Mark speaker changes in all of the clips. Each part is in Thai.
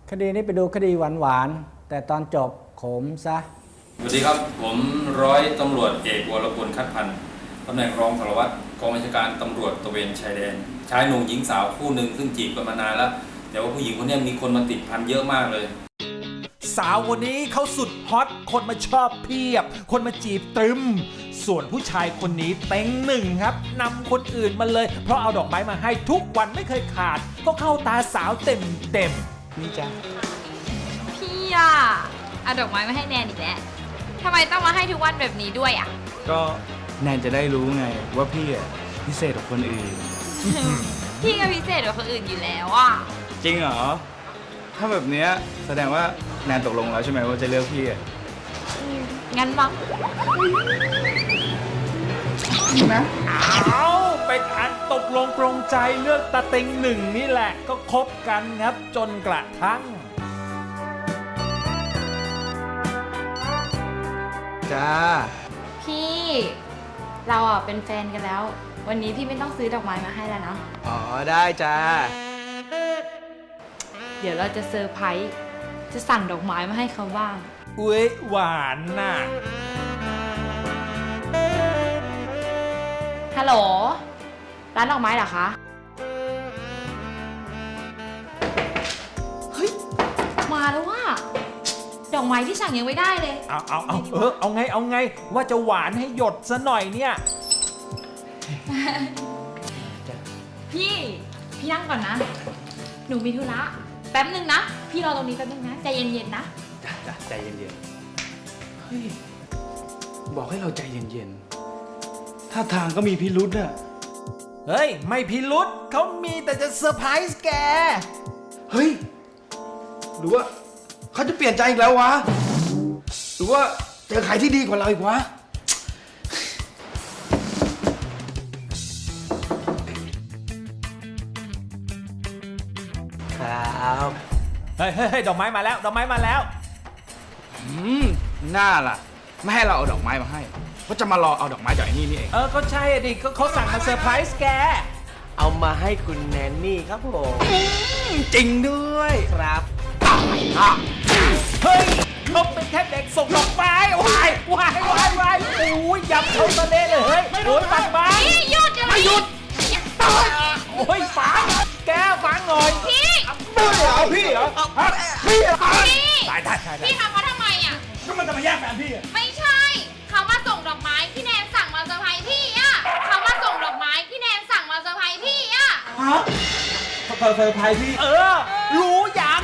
Speaker 1: คดีนี้ไปดูคดีหวานๆแต่ตอนจบขมซะ
Speaker 2: สวัสดีครับผมร้อยตำรวจเอกวรพลคัดพันธ์ตำแหน่งรองสารวัตรกองบัญชาการตำรวจตระเวนชายแดนชายหนุ่มหญิงสาวคู่หนึ่งซึ่งจีบกันมานานแล้วแต่ว่าผู้หญิงคนนี้มีคนมาติดพันเยอะมากเลย
Speaker 3: สาวคนนี้เขาสุดฮอตคนมาชอบเพียบคนมาจีบตึมส่วนผู้ชายคนนี้เต็งหนึ่งครับนำคนอื่นมาเลยเพราะเอาดอกไม้มาให้ทุกวันไม่เคยขาดก็เข้าตาสาวเต็มนี่จ้ะ
Speaker 4: พี่อะเอาดอกไม้มาให้แนนอีกแล้วทำไมต้องมาให้ทุกวันแบบนี้ด้วยอะ
Speaker 5: ก็แนนจะได้รู้ไงว่าพี่อะพิเศษกว่าคนอื่น
Speaker 4: พี่ก็พิเศษกว่าคนอื่นอยู่แล้วอะ
Speaker 5: จริงเหรอถ้าแบบเนี้ยแสดงว่าแนนตกลงแล้วใช่ไหมว่าจะเลือกพี่อะ
Speaker 4: งั้นมั้ง
Speaker 3: นะเอาเป็นอันตกลงปรงใจเลือกตาเต็งหนึ่งนี่แหละก็คบกันครับจนกระทั่ง
Speaker 5: จ้า
Speaker 4: พี่เราอะเป็นแฟนกันแล้ววันนี้พี่ไม่ต้องซื้อดอกไม้มาให้แล้วเนาะ
Speaker 5: อ๋อได้จ้า
Speaker 4: เดี๋ยวเราจะเซอร์ไพรส์จะสั่งดอกไม้มาให้เขาบ้าง
Speaker 3: อุ้ยหวานน่ะ
Speaker 4: ฮัลโหลร้านดอกไม้เหรอคะเฮ้ยมาแล้วว่ะดอกไม้ที่สั่งยังไม่ได้เลย
Speaker 3: เอาไงว่าจะหวานให้หยดซะหน่อยเนี่ย
Speaker 4: พี่นั่งก่อนนะหนูมีธุระแป๊บนึงนะพี่รอตรงนี้แป๊บนึงนะใจเย็นๆนะ
Speaker 5: จ้ะใจเย็นๆเฮ้ยบอกให้เราใจเย็นๆท่าทางก็มีพิรุธน่ะ
Speaker 3: เฮ้ยไม่พิรุธเขามีแต่จะเซอร์ไพรส์แก
Speaker 5: เฮ้ยหรือว่าเขาจะเปลี่ยนใจอีกแล้ววะหรือว่าเจอใครที่ดีกว่าเราอีกวะ
Speaker 3: ครับเฮ้ยดอกไม้มาแล้ว
Speaker 5: น่าล่ะไม่ให้เราเอาดอกไม้มาให้ก็จะมารอเอาดอกไม้จากไอ้นี่เอง
Speaker 3: ก็ใช่ดิเขาสั่งมาเซอร์ไพรส์แก
Speaker 6: เอามาให้คุณแนนนี่ครับผม
Speaker 5: จริงด้วย
Speaker 6: ครับ
Speaker 3: เฮ้ยเขาเป็นแค่เด็กส่งดอกไม้วายโอ้ยยับเขาทะเลเลยเฮ้ยโอ้ยปัดบ้า
Speaker 4: หยุด
Speaker 3: ไม่หยุดโอ้ยฟังแกฟังหน่อย
Speaker 4: พี่
Speaker 5: พี่เหรอ
Speaker 3: ตาย
Speaker 4: พี่ทำเขาทำไมอ่ะ
Speaker 3: ก็มันจะมาแย่งแฟนพี่
Speaker 4: ไม่ใช่เขามาส่งดอกไม้ที่แนนสั่งมาเซอร์ไพรส์พี่อ่ะเขามาส่งดอกไม้ที่แนนสั่งมาเซอร์ไพรส์พี่อ่ะ
Speaker 3: ฮะเซอร์ไพรส์พี่รู้ยัง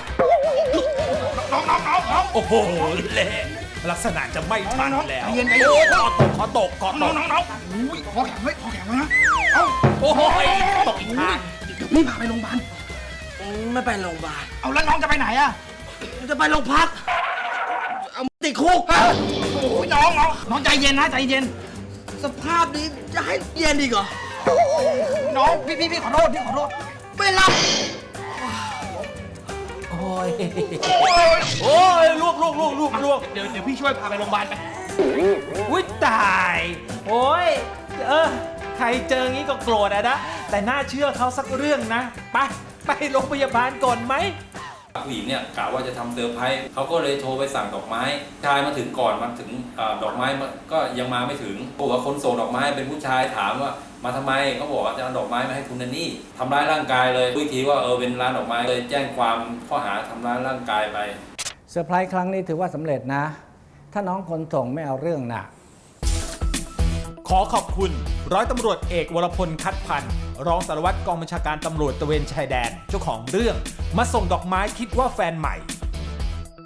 Speaker 3: น้องโอ้โหเละลักษณะจะไม่ทันแล้ว
Speaker 5: เย็น
Speaker 3: ขอตก
Speaker 5: น้องอุ้ยขอแข็งไว้นะ
Speaker 3: โอ้ยตกอีกทาง
Speaker 5: ไม่พาไปโรงพยาบาล
Speaker 6: ไม่ไปโรงพยาบาล
Speaker 5: เอาแล้วน้องจะไปไหนอะ
Speaker 6: จะไปโรงพักเอาติดคุก
Speaker 5: โอ้ยน้องใจเย็นนะใจเย็น
Speaker 6: สภาพนี้จะให้เย็นอีกเหรอ
Speaker 5: น้องพี่ขอโทษ
Speaker 6: ไม่รับ
Speaker 3: โอ้ยลวก
Speaker 5: เดี๋ยวพี่ช่วยพาไปโรงพยาบาลไป
Speaker 3: อุ้ยตายโอ้ยใครเจองี้ก็โกรธนะแต่น่าเชื่อเขาสักเรื่องนะไปโรงพยาบาลก่อนไหม
Speaker 2: ผู้หญิงเนี่ยกะว่าจะทำเซอร์ไพรส์เขาก็เลยโทรไปสั่งดอกไม้ชายมาถึงก่อนมาถึงดอกไม้ก็ยังมาไม่ถึงบอกว่าคนส่งดอกไม้เป็นผู้ชายถามว่ามาทำไมเขาบอกว่าจะเอาดอกไม้มาให้คุณนันนี่ทำร้ายร่างกายเลยวิธีว่าเป็นร้านดอกไม้เลยแจ้งความข้อหาทำร้ายร่างกายไป
Speaker 1: เซอร์ไพรส์ครั้งนี้ถือว่าสำเร็จนะถ้าน้องคนส่งไม่เอาเรื่องหนัก
Speaker 3: ขอขอบคุณร้อยตำรวจเอกวรพลคัดพันธ์รองสารวัตรกองบัญชาการตำรวจตระเวนชายแดนเจ้าของเรื่องมาส่งดอกไม้คิดว่าแฟนใหม่